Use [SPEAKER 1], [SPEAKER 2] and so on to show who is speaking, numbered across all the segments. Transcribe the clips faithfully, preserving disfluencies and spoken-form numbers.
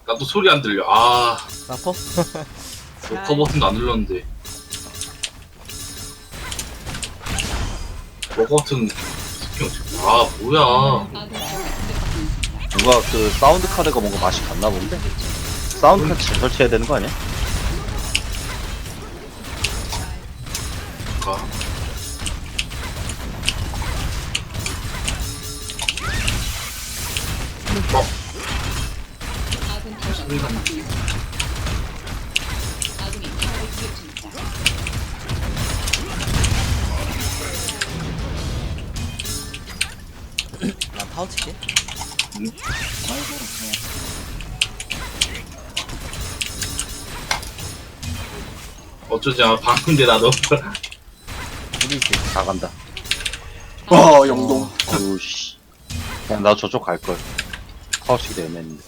[SPEAKER 1] 나도 소리 안 들려. 아,
[SPEAKER 2] 사퍼?
[SPEAKER 1] 녹화 버튼도 안 눌렀는데. 녹화 버튼 스킨 어떻게? 아, 뭐야?
[SPEAKER 3] 누가 그 사운드 카드가 뭔가 맛이 갔나 본데? 사운드 카드 잘 설치해야 되는 거 아니야?
[SPEAKER 1] 가. 어. 소리가 나.
[SPEAKER 2] 나 타워 칠게.
[SPEAKER 1] 응? 어쩌지? 아, 방금인데 나도.
[SPEAKER 2] 브리스.
[SPEAKER 3] 다 간다.
[SPEAKER 4] 와 영동.
[SPEAKER 3] 어우 씨. 그냥 나 저쪽 갈걸. 카우치기 애매했는데.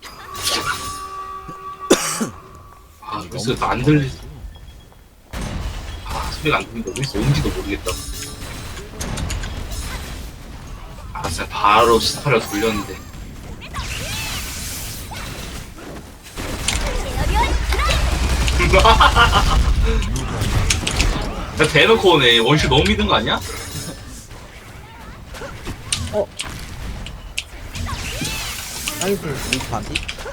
[SPEAKER 1] 아, 그래서 안 들리. 아, 소리가 안 들린다. 어디서 온지도 모르겠다. 알았어, 바로 스타를 돌렸는데. 야, 대놓고 오네. 원슈 너무 믿은 거 아니야?
[SPEAKER 2] 나이스. 리스 반피?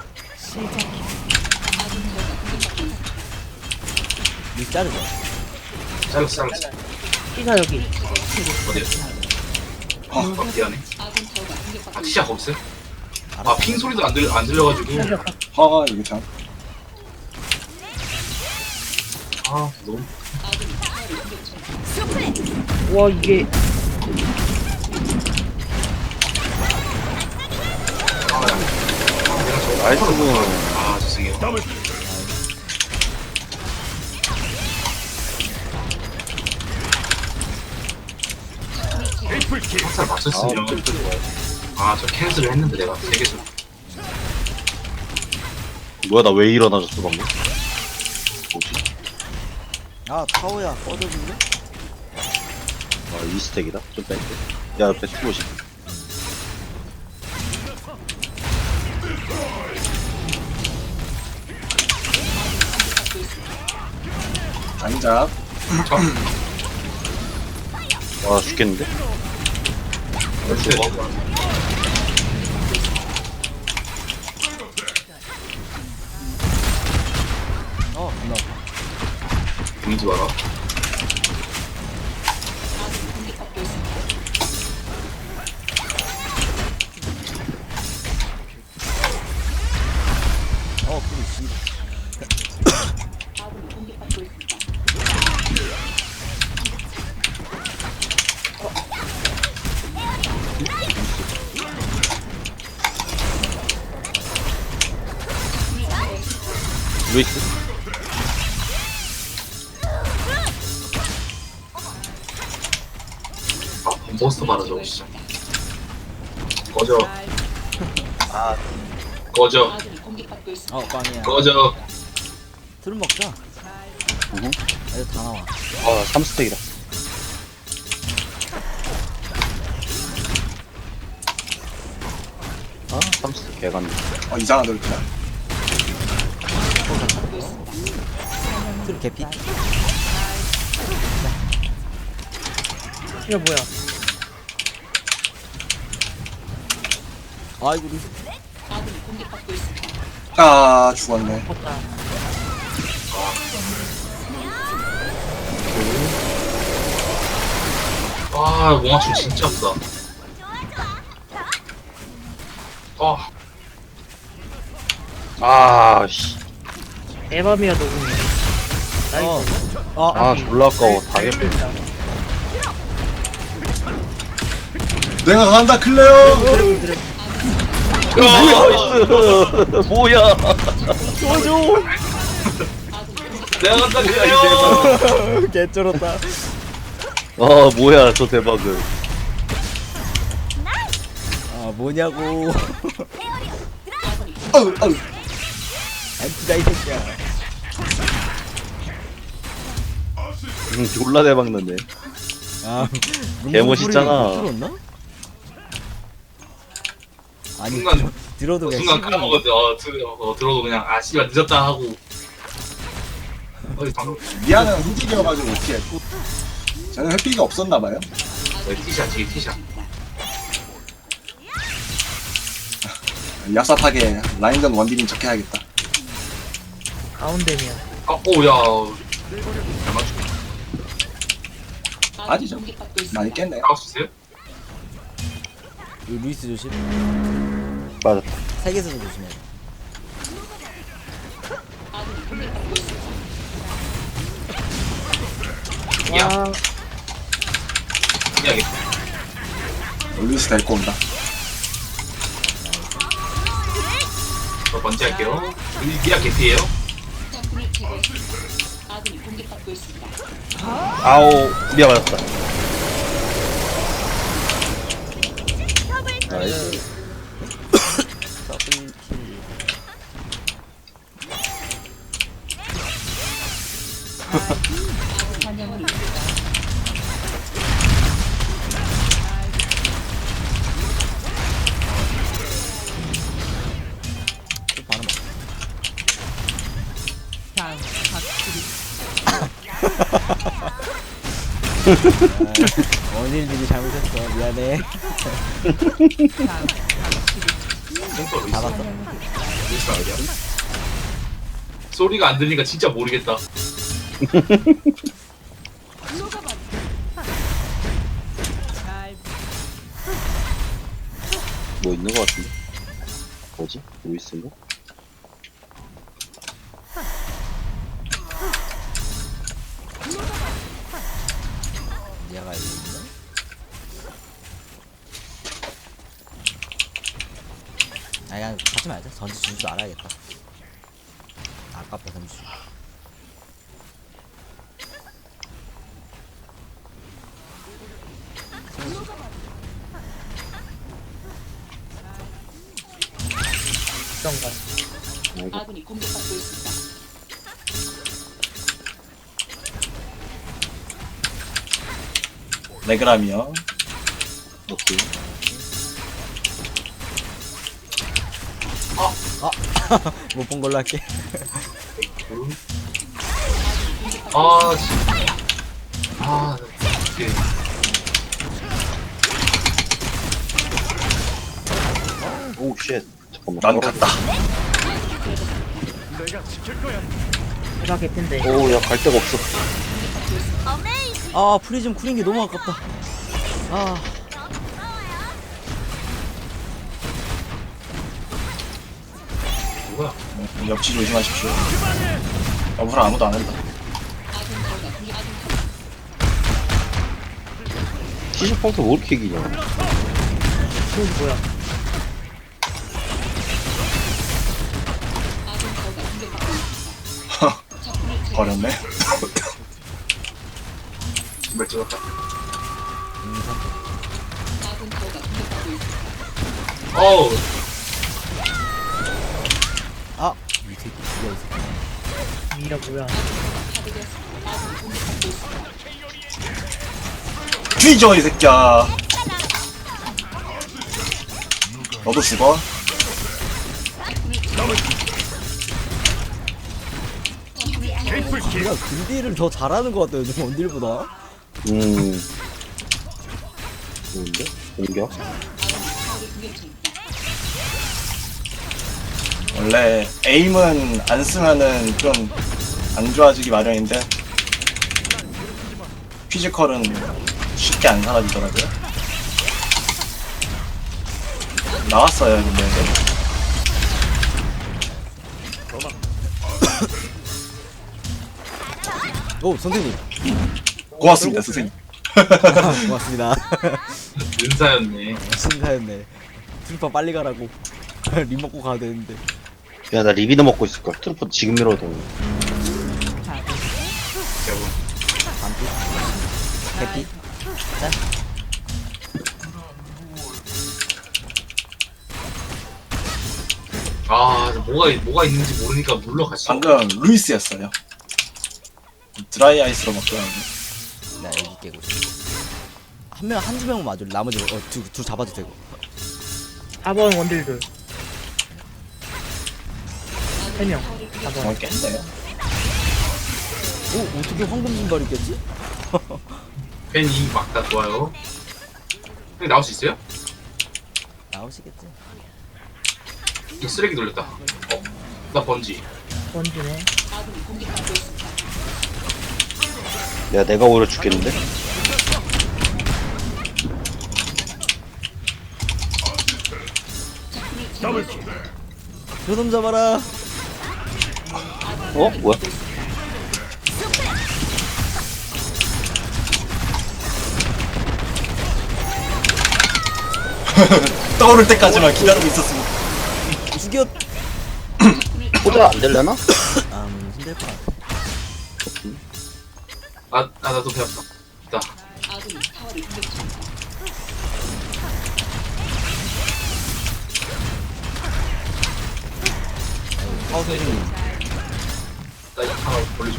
[SPEAKER 2] 리스 자르자.
[SPEAKER 1] 잘랐어, 잘랐어.
[SPEAKER 5] 피가 여기.
[SPEAKER 1] 어디야? 아, 아, 미안해. 아, 시작 없어요? 아, 핑 소리도 안, 들, 안 들려가지고.
[SPEAKER 4] 아 이게 참.
[SPEAKER 1] 아, 너무.
[SPEAKER 5] 와 이게
[SPEAKER 1] 아, 야. 아, 내가 저거.
[SPEAKER 3] 나이스.
[SPEAKER 1] 아, 죄송해요. 항상 맞췄으면. 아, 저 캔슬을 했는데 내가 세 개서.
[SPEAKER 3] 뭐야 나 왜 일어나졌어 방금? 뭐지?
[SPEAKER 2] 아, 타워야. 꺼져줄래?
[SPEAKER 3] 아 이 스택이다? 좀 뺄게. 야 옆에 투보시.
[SPEAKER 4] 장작.
[SPEAKER 3] 와 죽겠는데?
[SPEAKER 1] 이렇게 뭐?
[SPEAKER 2] 어, 나.
[SPEAKER 1] 보이지 마라.
[SPEAKER 2] 어, 브리스.
[SPEAKER 3] 루이스?
[SPEAKER 1] 아, 몬스터 봐라, 저거 진짜. 꺼져.
[SPEAKER 3] 아
[SPEAKER 1] 꺼져.
[SPEAKER 2] 어, 빵이야.
[SPEAKER 1] 꺼져.
[SPEAKER 2] 술 먹자.
[SPEAKER 3] 응.
[SPEAKER 2] 이거 다 나와.
[SPEAKER 3] 아 삼 스택이다. 아 삼 스택 개간다.
[SPEAKER 4] 어 이상한 돌자
[SPEAKER 2] 술 개피?
[SPEAKER 5] 이거 뭐야?
[SPEAKER 2] 아이고, 리스.
[SPEAKER 4] 아 죽었네.
[SPEAKER 5] 없다.
[SPEAKER 1] 아, 몽아충 진짜 아프다. 아,
[SPEAKER 3] 아 씨.
[SPEAKER 5] 에바미야 녹음이.
[SPEAKER 2] 어.
[SPEAKER 5] 나이스.
[SPEAKER 2] 아,
[SPEAKER 3] 아 졸라 아까워. 다 개뿔.
[SPEAKER 4] 내가 간다 클레어.
[SPEAKER 5] 드래곤 드래곤.
[SPEAKER 3] 나이스. 뭐야?
[SPEAKER 2] 도와줘!
[SPEAKER 1] 내가 간다, 그래요!
[SPEAKER 2] 개쩔었다.
[SPEAKER 3] 아 뭐야 저 대박은.
[SPEAKER 2] 아, 뭐냐고.
[SPEAKER 4] 어우 어우.
[SPEAKER 2] 엠피다, 이 새끼야.
[SPEAKER 3] 응 졸라 대박 났네.
[SPEAKER 2] 아,
[SPEAKER 3] 개멋있잖아.
[SPEAKER 2] 들었나? 아니,
[SPEAKER 1] 순간-
[SPEAKER 2] 들어도
[SPEAKER 1] 어,
[SPEAKER 2] 그냥
[SPEAKER 1] 순간
[SPEAKER 2] 씹는
[SPEAKER 1] 까먹었는데 어, 들, 어 들어도 그냥 아 씨발 늦었다 하고 어디 방금
[SPEAKER 4] 미아는 흠집이어가지고 어떻게 했고 쟤는 회피가 없었나봐요.
[SPEAKER 1] 네, 티샷 뒤에 티샷
[SPEAKER 4] 얍삽하게 라인전 원딜인 척 해야겠다.
[SPEAKER 5] 가운데면.
[SPEAKER 1] 아 오야 잘 맞추고
[SPEAKER 4] 아니죠. 많이 깼네요.
[SPEAKER 1] 나올 수 있어요?
[SPEAKER 2] 이 루이스 조심.
[SPEAKER 3] 맞았다.
[SPEAKER 2] 세계에서도 조심해.
[SPEAKER 1] 야
[SPEAKER 5] 와,
[SPEAKER 1] 해야겠다
[SPEAKER 4] 루이스 데리고 온다.
[SPEAKER 1] 저 번째 할게요 여기 미아 개피에요
[SPEAKER 3] 아오, 미아 맞았다. 나이스.
[SPEAKER 2] 더블킬. 또 바로 먹. 아, 원일들이 잘못했어. 미안해.
[SPEAKER 1] 탱커 루이스
[SPEAKER 2] 잡았어.
[SPEAKER 1] 루이스가 어디야? 소리가 안 들리니까 진짜 모르겠다
[SPEAKER 3] 뭐 있는 거 같은데? 뭐지? 루이스인가?
[SPEAKER 2] 얘가 여기 있네. 아 그냥 가지 말자. 전지 줄 줄 알아야겠다. 아깝다 전지.
[SPEAKER 5] 어떤가.
[SPEAKER 6] 아군이 공격받고 있습니다.
[SPEAKER 4] 레그람이요.
[SPEAKER 3] 오케이.
[SPEAKER 2] 못 본 걸로 할게.
[SPEAKER 1] 아 진짜 아 이게
[SPEAKER 3] 오, 쉣. 잠깐만.
[SPEAKER 4] 난 갔다.
[SPEAKER 5] 해가 개핀데.
[SPEAKER 3] 오, 야, 갈 데가 없어.
[SPEAKER 2] 아 프리즘 쿨인 게 너무 아깝다. 아
[SPEAKER 1] 누구야?
[SPEAKER 4] 옆치 조심하십시오. 옆으로 아무도 안 한다.
[SPEAKER 3] 티셔츠 펑트 왜 이렇게 기냐?
[SPEAKER 5] 이거 뭐야?
[SPEAKER 4] 버렸네.
[SPEAKER 1] 신발 찍었다 어우
[SPEAKER 2] 아! 이 새끼 뭐야 이 새끼.
[SPEAKER 5] 미라 뭐야?
[SPEAKER 4] 뒤져 이 새끼야. 너도 죽어.
[SPEAKER 2] 내가 근딜을 더 잘하는 것 같다 요즘 원딜보다.
[SPEAKER 3] 음. 좋은데? 공격?
[SPEAKER 4] 원래 에임은 안 쓰면은 좀 안 좋아지기 마련인데 피지컬은 쉽게 안 사라지더라고요. 나왔어요 근데.
[SPEAKER 2] 오 선생님.
[SPEAKER 4] 고맙습니다 선생님.
[SPEAKER 2] 고맙습니다.
[SPEAKER 1] 은사였네
[SPEAKER 2] 신사였네. 트루파 빨리 가라고. 림 먹고 가야 되는데.
[SPEAKER 3] 야, 나 리비드 먹고 있을걸. 트루퍼 지금 밀어도.
[SPEAKER 1] 여러분
[SPEAKER 2] 반피. 해피. 짠.
[SPEAKER 1] 아 뭐가 뭐가 있는지 모르니까 물러갔어
[SPEAKER 4] 방금 루이스였어요. 드라이 아이스로 바꾸라고.
[SPEAKER 2] 나 여기 깨고 있어. 한 명, 한두 명만 맞을 나머지 어, 둘, 둘 잡아도 되고.
[SPEAKER 5] 사 번 원딜들. 세 명. 가서.
[SPEAKER 4] 어, 깼네.
[SPEAKER 2] 오 어떻게 황금 신발이 꼈지?
[SPEAKER 1] 팬이 막다 좋아요. 형님 나올 수 있어요?
[SPEAKER 2] 나오시겠지.
[SPEAKER 1] 이거 쓰레기 돌렸다. 어, 나 번지.
[SPEAKER 5] 번지네.
[SPEAKER 3] 내가 내가 오히려 죽겠는데?
[SPEAKER 2] 요놈 잡아라.
[SPEAKER 3] 어? 뭐야?
[SPEAKER 4] 떠오를 때까지만 기다리고 있었습니다.
[SPEAKER 2] 죽여.
[SPEAKER 3] 포자 안 되려나?
[SPEAKER 2] 음 힘들 것 같아.
[SPEAKER 1] 아, 아 나도 배웠다. 나.
[SPEAKER 2] 파워 선생님.
[SPEAKER 1] 나 이거 하나 돌려줘.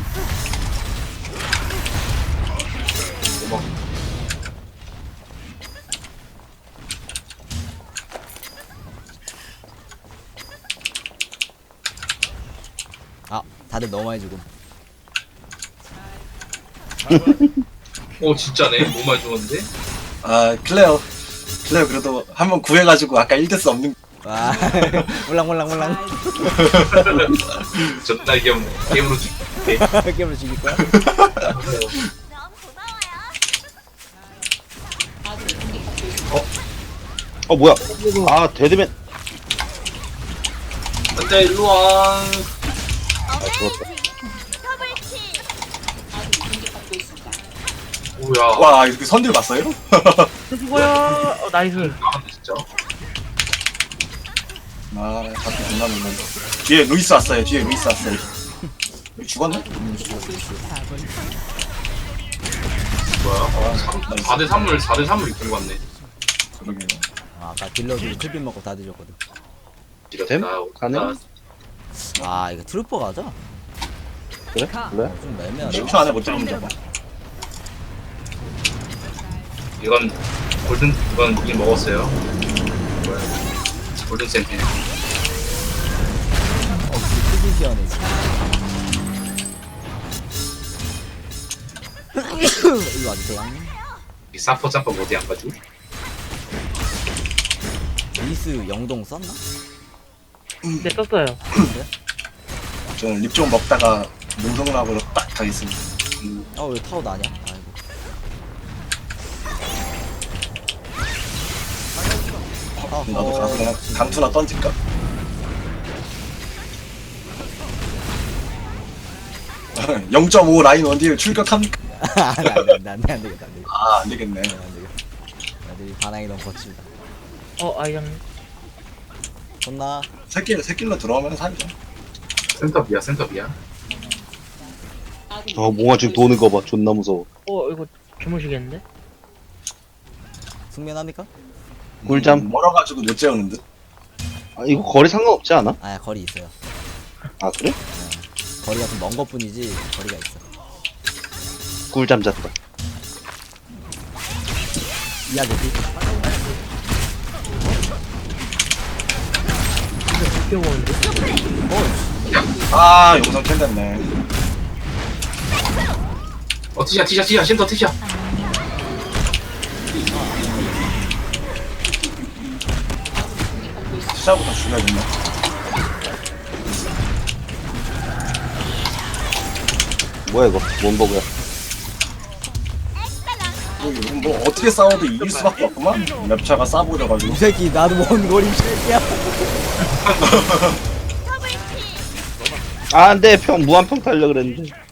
[SPEAKER 1] 고마워.
[SPEAKER 2] 아 다들 너무 많이 죽음.
[SPEAKER 1] 오 진짜네. 너무 많이 죽었는데?
[SPEAKER 4] 아, 클레어. 클레어 그래도 한 번 구해가지고 아까 일 대스 없는
[SPEAKER 2] 와 몰랑 몰랑 몰랑.
[SPEAKER 1] 존나 귀엽네. 게임으로 죽게.
[SPEAKER 2] 게임을 죽일 거야?
[SPEAKER 3] 어 뭐야? 아 데드맨.
[SPEAKER 1] 안돼 일로와.
[SPEAKER 3] 아 죽었다.
[SPEAKER 1] 뭐야.
[SPEAKER 4] 와, 이렇게 선들 봤어요?
[SPEAKER 5] 수고요. 어, 나이스.
[SPEAKER 1] 아 진짜.
[SPEAKER 4] 아, 밖에 존나 놀랐네. 뒤에 루이스 왔어요. 뒤에 루이스 왔어요. 여기 죽었네?
[SPEAKER 1] 뭐야? 사 대 삼을 사 대 삼을 이끌고 왔네.
[SPEAKER 4] 그러게.
[SPEAKER 2] 아, 아까 딜러들이 클빈 먹고 다 드셨거든.
[SPEAKER 3] 됨?
[SPEAKER 1] 이랬다.
[SPEAKER 3] 가능?
[SPEAKER 2] 아 이거 트루퍼 가자.
[SPEAKER 3] 그래? 그래?
[SPEAKER 2] 좀 애매하다.
[SPEAKER 4] 십 초 안에 못 잡으면 잡아.
[SPEAKER 1] 이건 골든 이건 이미 먹었어요. 뭐야? 골든 샘플.
[SPEAKER 2] 클빈 시원해. 이거 와주세요.
[SPEAKER 1] 이 사퍼 점퍼 어디 안 가지고?
[SPEAKER 2] 리스 영동 썼나?
[SPEAKER 5] 네, 썼어요.
[SPEAKER 4] 저는 립 좀 먹다가 농성락으로 딱 가겠습니다.
[SPEAKER 1] 음,
[SPEAKER 2] 아 왜 타워 나냐? 아이고.
[SPEAKER 4] 나도 가서 그냥 강투나 던질까? 영 점 오 라인 원딜 출격합니까?
[SPEAKER 2] 안돼 안돼 안돼 안 되겠다 안 되겠다
[SPEAKER 4] 아, 안 되겠네.
[SPEAKER 2] 안 되겠다. 애들이 반항이 너무 거칠다.
[SPEAKER 5] 어, 아이장.
[SPEAKER 2] 혼나.
[SPEAKER 4] 새끼, 새끼로 들어오면 살죠.
[SPEAKER 1] 센터비야 센터비야.
[SPEAKER 3] 아 몽아 지금 도는 거 봐. 존나 무서워.
[SPEAKER 5] 어, 이거 주무시겠는데?
[SPEAKER 2] 숙면합니까?
[SPEAKER 3] 꿀잠.
[SPEAKER 4] 음, 멀어가지고 못 재우는 듯.
[SPEAKER 3] 아 이거 거리 상관없지 않아?
[SPEAKER 2] 아 거리 있어요.
[SPEAKER 3] 아 그래?
[SPEAKER 2] 거리가 좀 먼 것뿐이지 거리가 있어.
[SPEAKER 3] 꿀잠 잤다.
[SPEAKER 2] 이야기지.
[SPEAKER 5] 웃겨보는데?
[SPEAKER 4] 아, 용성 캔 됐네.
[SPEAKER 1] 어 티샤 티샤 티샤 센터 티샤.
[SPEAKER 4] 시작부터 죽여야겠네.
[SPEAKER 3] 뭐야 이거? 뭔 버그야?
[SPEAKER 4] 뭐, 이건 뭐 어떻게 싸워도 이길 수밖에 없구만. 랩차가 싸보려가지고.
[SPEAKER 2] 이 새끼 나도 먼 거리 이 새끼야.
[SPEAKER 3] 아 안돼 평 무한평 달려 그랬는데.